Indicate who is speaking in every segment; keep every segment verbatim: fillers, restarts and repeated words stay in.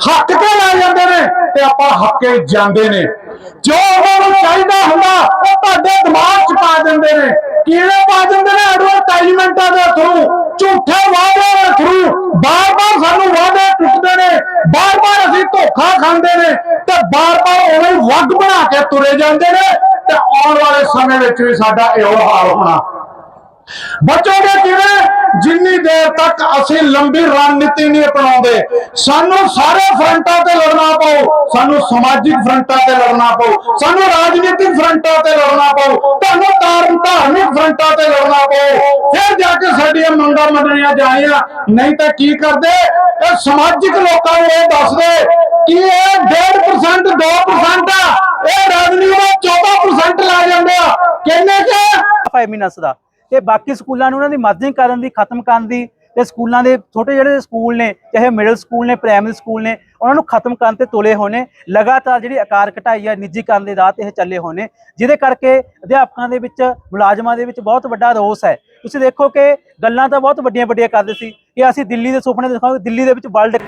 Speaker 1: हक के लै जाते हैं ते आपां हके जाते हैं। जो उन्होंने चाहिए होंदा वो तुहाडे दिमाग च पा देंदे ने। किवें पा देंदे ने? एडवरटाइजमेंटां दे थ्रू, झूठे वादे के थ्रू बार बार सानू वादे टुटते ने, बार बार असीं धोखा खांदे ने ते बार बार उवें वग बना के तुरे जांदे ने ते आउण वाले समय विच भी साडा इहो हाल होना। बचोगे किवें? जिन्नी देर तक असीं लंबी रणनीति नहीं अपनाउंदे। सानू सारे फ्रंटां ते लड़ना पऊ, सानू समाजिक फ्रंटां ते लड़ना पऊ, सानू राजनीतिक फ्रंटां ते लड़ना पऊ, सानू धार्मिक फ्रंटां ते लड़ना पऊ, फिर जाके साडियां मंगां मंनणियां जाणियां। नहीं तां की करदे? इह समाजिक लोकां नूं इह दसदे कि इह डेढ़ परसेंट दो परसेंट आ, इह रेवन्यू दा चौदह परसेंट लै जांदे आ। किन्ने च?
Speaker 2: ਫਾਈਵ ਦਾ ਤੇ ਬਾਕੀ ਸਕੂਲਾਂ ਨੂੰ ਉਹਨਾਂ ਦੀ ਮਰਜ਼ੀ ਕਰਨ ਦੀ, ਖਤਮ ਕਰਨ ਦੀ ਤੇ ਸਕੂਲਾਂ ਦੇ ਛੋਟੇ ਜਿਹੜੇ ਸਕੂਲ ਨੇ, ਚਾਹੇ ਮਿਡਲ ਸਕੂਲ ਨੇ, ਪ੍ਰਾਇਮਰੀ ਸਕੂਲ ਨੇ, ਉਹਨਾਂ ਨੂੰ ਖਤਮ ਕਰਨ ਤੇ ਤੁਲੇ ਹੋਣੇ। ਲਗਾਤਾਰ ਜਿਹੜੀ ਆਕਾਰ ਘਟਾਈ ਆ, ਨਿੱਜੀਕਰਨ ਦੇ ਰਾਹ ਤੇ ਇਹ ਚੱਲੇ ਹੋਣੇ, ਜਿਹਦੇ ਕਰਕੇ ਅਧਿਆਪਕਾਂ ਦੇ ਵਿੱਚ, ਮੁਲਾਜ਼ਮਾਂ ਦੇ ਵਿੱਚ ਬਹੁਤ ਵੱਡਾ ਰੋਸ ਹੈ। ਤੁਸੀਂ ਦੇਖੋ ਕਿ ਗੱਲਾਂ ਤਾਂ ਬਹੁਤ ਵੱਡੀਆਂ ਵੱਡੀਆਂ ਕਰਦੇ ਸੀ ਕਿ ਅਸੀਂ ਦਿੱਲੀ ਦੇ ਸੁਪਨੇ ਦਿਖਾਵਾਂਗੇ, ਦਿੱਲੀ ਦੇ ਵਿੱਚ ਵਰਲਡ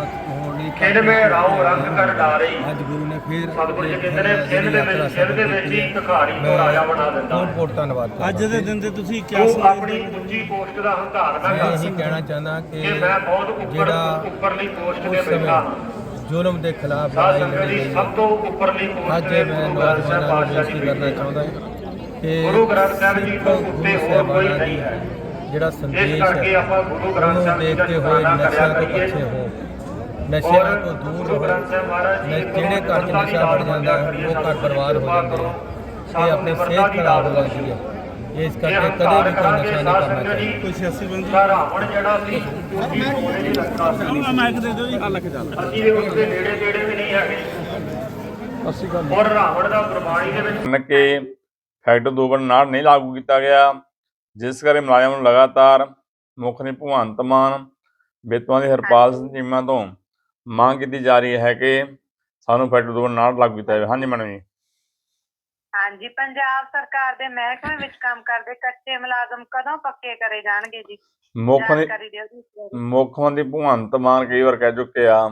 Speaker 3: ਖਿੰਡ ਮੇ ਰਾਉ ਰੰਗ ਕਰ ਡਾਰੇ।
Speaker 4: ਅੱਜ ਗੁਰੂ ਨੇ ਫਿਰ
Speaker 3: ਸਤਿਗੁਰੂ ਜੀ ਕਹਿੰਦੇ ਨੇ ਖਿੰਡ ਦੇ ਵਿੱਚ ਖਿੰਡ ਦੇ ਵਿੱਚ ਹੀ ਭਿਖਾਰੀ ਨੂੰ ਰਾਜਾ ਬਣਾ ਦਿੰਦਾ।
Speaker 4: ਬਹੁਤ ਬਹੁਤ ਧੰਨਵਾਦ।
Speaker 5: ਅੱਜ ਦੇ ਦਿਨ ਤੇ ਤੁਸੀਂ ਕਿਆ
Speaker 3: ਤੂੰ ਆਪਣੀ ਉੱਚੀ ਪੋਸਟ ਦਾ ਹੰਕਾਰ ਨਾ
Speaker 4: ਮੈਂ
Speaker 3: ਕਰ
Speaker 4: ਇਹੀ ਕਹਿਣਾ ਚਾਹੁੰਦਾ ਕਿ
Speaker 3: ਕਿ ਮੈਂ ਬਹੁਤ ਉੱਪਰ
Speaker 4: ਜਿਹੜਾ
Speaker 3: ਉੱਪਰਲੀ ਪੋਸਟ ਤੇ
Speaker 4: ਉਸ
Speaker 3: ਬੈਠਾ ਹਾਂ।
Speaker 4: ਸਮੇਂ ਜ਼ੁਲਮ ਦੇ ਖਿਲਾਫ
Speaker 3: ਸਾਧ
Speaker 4: ਲੜਾਈ
Speaker 3: ਸੰਗਤ
Speaker 4: ਲੜੀ
Speaker 3: ਦੀ
Speaker 4: ਗਈ
Speaker 3: ਸਭ ਤੋਂ ਉੱਪਰਲੀ ਪੋਸਟ
Speaker 4: ਅੱਜ
Speaker 3: ਤੇ
Speaker 4: ਮੈਂ
Speaker 3: ਗੁਰੂ ਗ੍ਰੰਥ ਸਾਹਿਬ
Speaker 4: ਨੌਜਵਾਨਾਂ ਨੂੰ
Speaker 3: ਪਾਤਸ਼ਾਹ
Speaker 4: ਬੇਨਤੀ
Speaker 3: ਦੀ
Speaker 4: ਕਰਨਾ
Speaker 3: ਬੈਠੀ
Speaker 4: ਚਾਹੁੰਦਾ ਕਿ
Speaker 3: ਗੁਰੂ ਗ੍ਰੰਥ ਸਾਹਿਬ ਜੀ ਤੋਂ ਉੱਤੇ ਹੋਰ ਕੋਈ ਨਹੀਂ ਹੈ।
Speaker 4: ਜਿਹੜਾ
Speaker 3: ਇਸ
Speaker 4: ਸੰਦੇਸ਼
Speaker 3: ਕਰਕੇ
Speaker 4: ਹੈ
Speaker 3: ਆਪਾਂ ਗੁਰੂ ਗ੍ਰੰਥ
Speaker 4: ਉਹਨੂੰ
Speaker 3: ਸਾਹਿਬ ਜੀ ਦਾ
Speaker 4: ਦੇਖਦੇ ਹੋਏ
Speaker 3: ਸ਼ੁਕਰਾਨਾ ਕਰਿਆ
Speaker 4: ਨਸ਼ਿਆਂ ਤੋਂ
Speaker 3: ਕਰੀਏ।
Speaker 4: ਪੱਛੇ ਹੋ, ਨਸ਼ਿਆਂ ਤੋਂ ਦੂਰ
Speaker 3: ਗੁਰੂ
Speaker 4: ਰਹੋ।
Speaker 3: ਗ੍ਰੰਥ ਸਾਹਿਬ ਮਹਾਰਾਜ ਜੀ
Speaker 4: ਜਿਹੜੇ ਘਰ 'ਚ ਨਸ਼ਾ ਵੜ ਜਾਂਦਾ ਉਹ ਘਰ ਬਰਬਾਦ ਹੋ ਜਾਂਦੇ ਆ, ਇਹ ਆਪਣੀ ਸਿਹਤ ਖਰਾਬ ਹੋ ਜਾਂਦੀ ਹੈ। ਇਸ ਕਰਕੇ ਕਦੇ ਵੀ ਕੋਈ ਨਸ਼ਾ ਨਹੀਂ ਕਰਨਾ ਚਾਹੀਦਾ।
Speaker 5: ਕੋਈ ਸਿਆਸੀ ਬੰਦੇ
Speaker 3: ਰਾਵਣ ਜਿਹੜਾ ਸੀ ਉਹਦੀ ਸੋਨੇ ਦੀ ਲੱਕਾ ਸੀ।
Speaker 5: ਆ ਮਾਈਕ ਦੇ ਦਿਓ ਜੀ। ਆ ਲੱਗ ਚੱਲ
Speaker 3: ਅਸੀਂ ਦੇ ਉਸਦੇ ਨੇੜੇ ਤੇੜੇ ਵੀ ਨਹੀਂ ਹੈਗੇ।
Speaker 4: ਅਸੀਂ ਗੱਲ
Speaker 3: ਔਰ ਰਾਵਣ ਦਾ ਗੁਰਬਾਣੀ ਦੇ ਵਿੱਚ
Speaker 6: ਕਿ ਫੈਕਟਰ ਦੋ ਵਾਰ ਨਾੜ ਨਹੀਂ ਲਾਗੂ ਕੀਤਾ ਗਿਆ, ਜਿਸ ਕਰਕੇ ਮੁਲਾਜ਼ਮਾਂ ਨੂੰ ਲਗਾਤਾਰ ਮੁੱਖ ਨੇ ਭਗਵੰਤ ਮਾਨ, ਬੇਤੂਆਂ ਦੀ ਹਰਪਾਲ ਸਿੰਘ ਚੀਮਾ ਤੋਂ ਮੰਗ ਕੀਤੀ ਜਾ ਰਹੀ ਹੈ ਕਿ ਸਾਨੂੰ ਫੈਕਟਰ ਦੋ ਵਾਰ ਨਾੜ ਲਾਗੂ ਕੀਤਾ ਜਾਵੇ। ਹਾਂਜੀ ਮੈਡਮ ਜੀ।
Speaker 7: ਹਾਂਜੀ, ਪੰਜਾਬ ਸਰਕਾਰ ਦੇ ਮਹਿਕਮੇ ਵਿੱਚ ਕੰਮ ਕਰਦੇ ਕੱਚੇ ਮੁਲਾਜ਼ਮ ਕਦੋਂ ਪੱਕੇ ਕਰੇ ਜਾਣਗੇ ਜੀ?
Speaker 6: ਮੁੱਖ
Speaker 7: ਜਾਣਕਾਰੀ ਦਿਓ ਜੀ।
Speaker 6: ਮੁੱਖ ਮੰਤਰੀ ਭਗਵੰਤ ਮਾਨ ਕਈ ਵਾਰ ਕਹਿ ਚੁੱਕੇ ਆ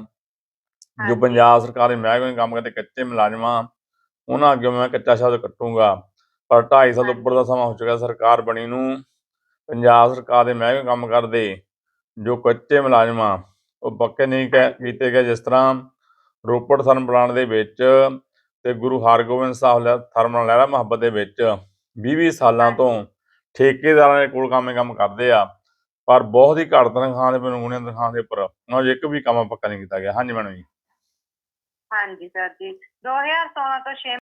Speaker 6: ਜੋ ਪੰਜਾਬ ਸਰਕਾਰ ਦੇ ਮਹਿਕਮੇ ਵਿੱਚ ਕੰਮ ਕਰਦੇ ਕੱਚੇ ਮੁਲਾਜ਼ਮਾਂ, ਉਹਨਾਂ ਅੱਗੇ ਮੈਂ ਕੱਚਾ ਸ਼ਬਦ ਕੱਟੂੰਗਾ। ਪਰ ਢਾਈ ਸਾਲ ਤੋਂ ਉੱਪਰ ਦਾ ਸਮਾਂ ਹੋ ਚੁੱਕਾ ਸਰਕਾਰ ਬਣੀ ਨੂੰ। ਪੰਜਾਬ ਸਰਕਾਰ ਦੇ ਮਹਿਕਮੇ ਕੰਮ ਕਰਦੇ ਜੋ ਕੱਚੇ ਮੁਲਾਜ਼ਮਾਂ ਉਹ ਪੱਕੇ ਨਹੀਂ ਕਹਿ ਕੀਤੇ ਗਏ। ਜਿਸ ਤਰ੍ਹਾਂ ਰੋਪੜ ਥਰਮਲ ਪਲਾਂਟ ਦੇ ਵਿੱਚ ਤੇ ਗੁਰੂ ਹਰਗੋਬਿੰਦ ਸਾਹਿਬ ਥਰਮਲ ਲਹਿਰਾ ਮੁਹੱਬਤ ਦੇ ਵਿੱਚ ਵੀਹ ਵੀਹ ਸਾਲਾਂ ਤੋਂ ਠੇਕੇਦਾਰਾਂ ਦੇ ਕੋਲ ਕੰਮ ਕੰਮ ਕਰਦੇ ਆ, ਪਰ ਬਹੁਤ ਹੀ ਘੱਟ ਤਨਖਾਹ ਦੇ ਨਮੂਨੇ ਤਨਖਾਹ ਦੇ ਉੱਪਰ ਉਹਨਾਂ 'ਚ ਇੱਕ ਵੀ ਕੰਮ ਪੱਕਾ ਨਹੀਂ ਕੀਤਾ ਗਿਆ। ਹਾਂਜੀ ਮੈਡਮ ਜੀ।
Speaker 7: ਹਾਂਜੀ ਸਰ ਜੀ, ਦੋ ਹਜ਼ਾਰ ਸੋਲਾਂ ਤੋਂ ਛੇ